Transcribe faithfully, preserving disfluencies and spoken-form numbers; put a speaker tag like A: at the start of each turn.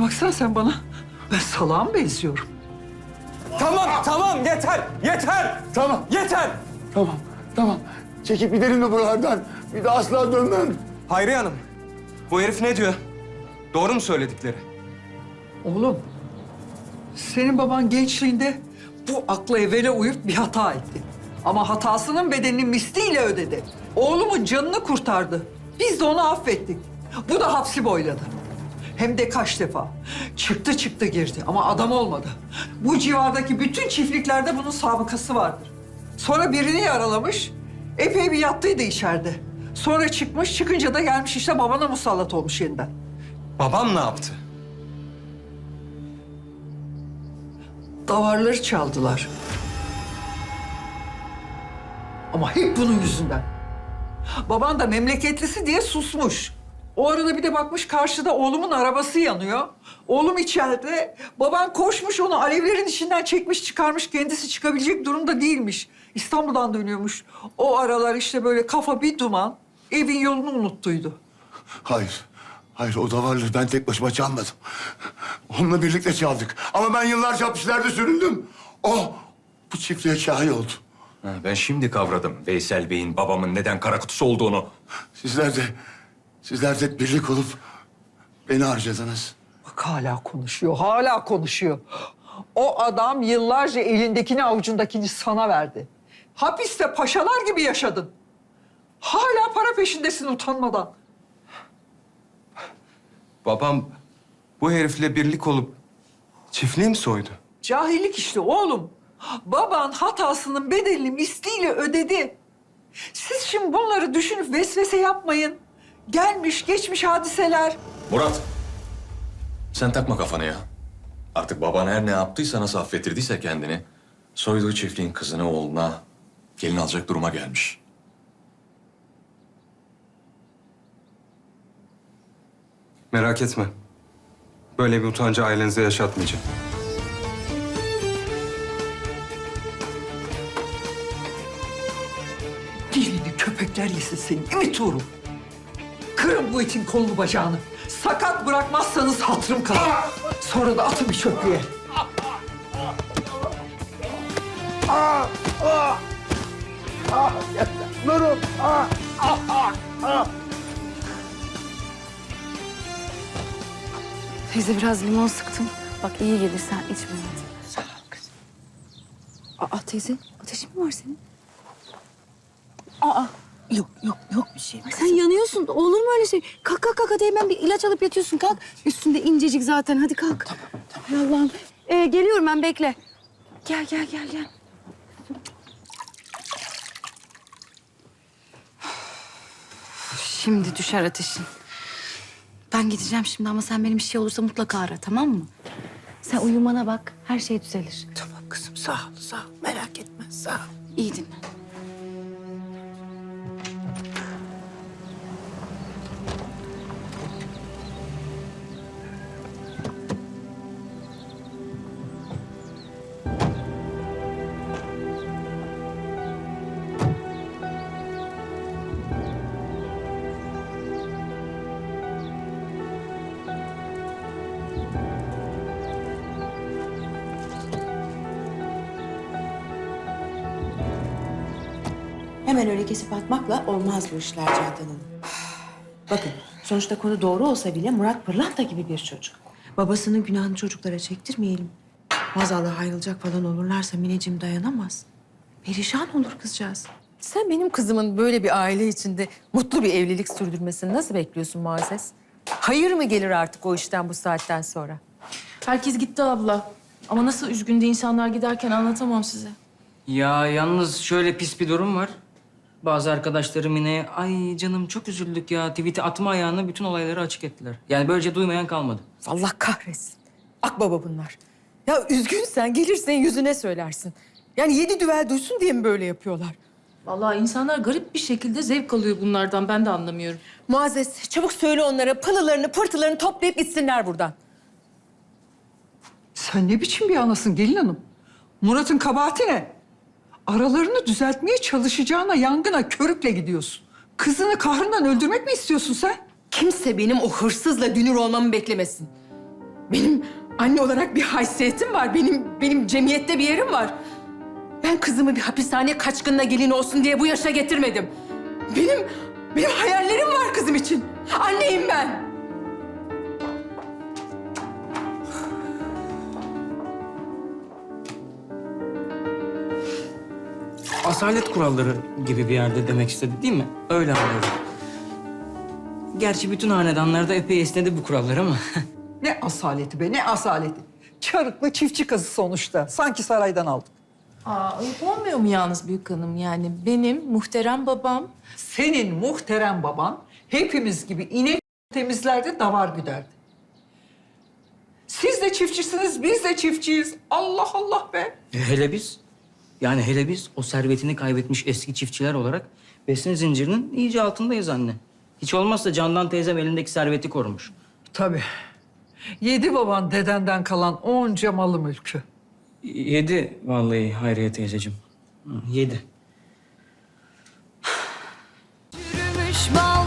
A: baksana sen bana. Ben salağa mı benziyorum?
B: Tamam, tamam yeter, yeter.
C: Tamam,
B: Yeter.
C: tamam, tamam. Çekip gidelim de buralardan. Bir daha asla dönmem.
B: Hayriye Hanım, bu herif ne diyor? Doğru mu söyledikleri?
A: Oğlum, senin baban gençliğinde bu akla evvela uyup bir hata etti. Ama hatasının bedelini misliyle ödedi. Oğlumun canını kurtardı. Biz de onu affettik. Bu da hapsi boyladı. Hem de kaç defa. Çıktı çıktı girdi ama adam olmadı. Bu civardaki bütün çiftliklerde bunun sabıkası vardır. Sonra birini yaralamış, epey bir yattıydı içeride. Sonra çıkmış, çıkınca da gelmiş işte babana musallat olmuş yeniden.
B: Babam ne yaptı?
A: Davarları çaldılar. Ama hep bunun yüzünden. Baban da memleketlisi diye susmuş. O arada bir de bakmış karşıda oğlumun arabası yanıyor. Oğlum içeride. Baban koşmuş onu alevlerin içinden çekmiş çıkarmış. Kendisi çıkabilecek durumda değilmiş. İstanbul'dan dönüyormuş. O aralar işte böyle kafa bir duman. Evin yolunu unuttuydu.
C: Hayır, hayır o davarları ben tek başıma çalmadım. Onunla birlikte çaldık. Ama ben yıllarca hapislerde süründüm. O bu çiftliğe şahi oldu.
D: Ha, ben şimdi kavradım Veysel Bey'in babamın neden kara kutusu olduğunu.
C: Sizler de, sizler de birlik olup beni harcadınız.
A: Bak hala konuşuyor, hala konuşuyor. O adam yıllarca elindekini avucundakini sana verdi. Hapiste paşalar gibi yaşadın. Hala para peşindesin utanmadan.
B: Babam bu herifle birlik olup çiftliği mi soydu?
A: Cahillik işte oğlum. Baban hatasının bedelini misliyle ödedi. Siz şimdi bunları düşünüp vesvese yapmayın. Gelmiş geçmiş hadiseler.
D: Murat, sen takma kafana ya. Artık baban her ne yaptıysa, nasıl affettirdiyse kendini... ...soyduğu çiftliğin kızını oğluna gelin alacak duruma gelmiş.
B: Merak etme. Böyle bir utancı ailenize yaşatmayacağım.
A: Dilini köpekler yesin senin, değil mi Tuğrul? Kırın bu itin kolunu bacağını. Sakat bırakmazsanız hatırım kalır. Sonra da atın bir çöplüğe.
C: Nurum,
E: Teyze biraz limon sıktım. Bak iyi gelir sen içme hadi.
A: Sağ ol kızım.
E: Aa teyze ateşin mi var senin? Aa
F: Yok yok yok bir şey.
E: ay sen yanıyorsun. Olur mu öyle şey? Kalk kalk kalk hadi hemen bir ilaç alıp yatıyorsun kalk. Üstünde incecik zaten hadi kalk. Tamam tamam. Allah'ım. Ee, geliyorum ben bekle. Gel gel gel gel. Şimdi düşer ateşin. Ben gideceğim şimdi ama sen benim bir şey olursa mutlaka ara tamam mı? Sen uyumana bak her şey düzelir.
F: Tamam kızım sağ ol sağ ol. Merak etme sağ ol.
E: İyi dinle.
F: Hemen öyle kesip atmakla olmaz bu işler Candan Hanım. Bakın sonuçta konu doğru olsa bile Murat pırlanta gibi bir çocuk. Babasının günahını çocuklara çektirmeyelim. Maazallah ayrılacak falan olurlarsa Mineciğim dayanamaz. Perişan olur kızcağız.
G: Sen benim kızımın böyle bir aile içinde mutlu bir evlilik sürdürmesini nasıl bekliyorsun Muazzez? Hayır mı gelir artık o işten bu saatten sonra?
H: Herkes gitti abla. Ama nasıl üzgündü insanlar giderken anlatamam size.
I: Ya yalnız şöyle pis bir durum var. Bazı arkadaşlarım yine ay canım çok üzüldük ya tweet'i atma ayağına bütün olayları açık ettiler. Yani böylece duymayan kalmadı.
G: Allah kahretsin. Akbaba bunlar. Ya üzgünsen gelirsen yüzüne söylersin. Yani yedi düvel duysun diye mi böyle yapıyorlar?
H: Vallahi insanlar garip bir şekilde zevk alıyor bunlardan. Ben de anlamıyorum.
G: Muazzez çabuk söyle onlara pılılarını pırtılarını toplayıp gitsinler buradan.
A: Sen ne biçim bir anasın gelin hanım? Murat'ın kabahati ne? Aralarını düzeltmeye çalışacağına yangına körükle gidiyorsun. Kızını kahrından öldürmek mi istiyorsun sen?
G: Kimse benim o hırsızla dünür olmamı beklemesin. Benim anne olarak bir haysiyetim var. Benim benim cemiyette bir yerim var. Ben kızımı bir hapishane kaçkınına gelin olsun diye bu yaşa getirmedim. Benim benim hayallerim var kızım için. Anneyim ben.
I: Asalet kuralları gibi bir yerde demek istedi değil mi? Öyle anlıyorum. Gerçi bütün hanedanlarda epey esnedi bu kurallar ama.
A: Ne asaleti be, ne asaleti. Çarıklı çiftçi kızı sonuçta. Sanki saraydan aldık.
H: Aa, ayıp olmuyor mu yalnız büyük hanım? Yani benim muhterem babam
A: Senin muhterem baban hepimiz gibi inek temizlerdi, davar güderdi. Siz de çiftçisiniz, biz de çiftçiyiz. Allah Allah be.
I: E, hele biz, yani hele biz o servetini kaybetmiş eski çiftçiler olarak besin zincirinin iyice altındayız anne. Hiç olmazsa Candan teyzem elindeki serveti korumuş.
A: Tabii. Yedi baban dedenden kalan onca malı mülkü.
I: Yedi vallahi Hayriye teyzeciğim. Hı, Yedi.
E: Yürümüş bal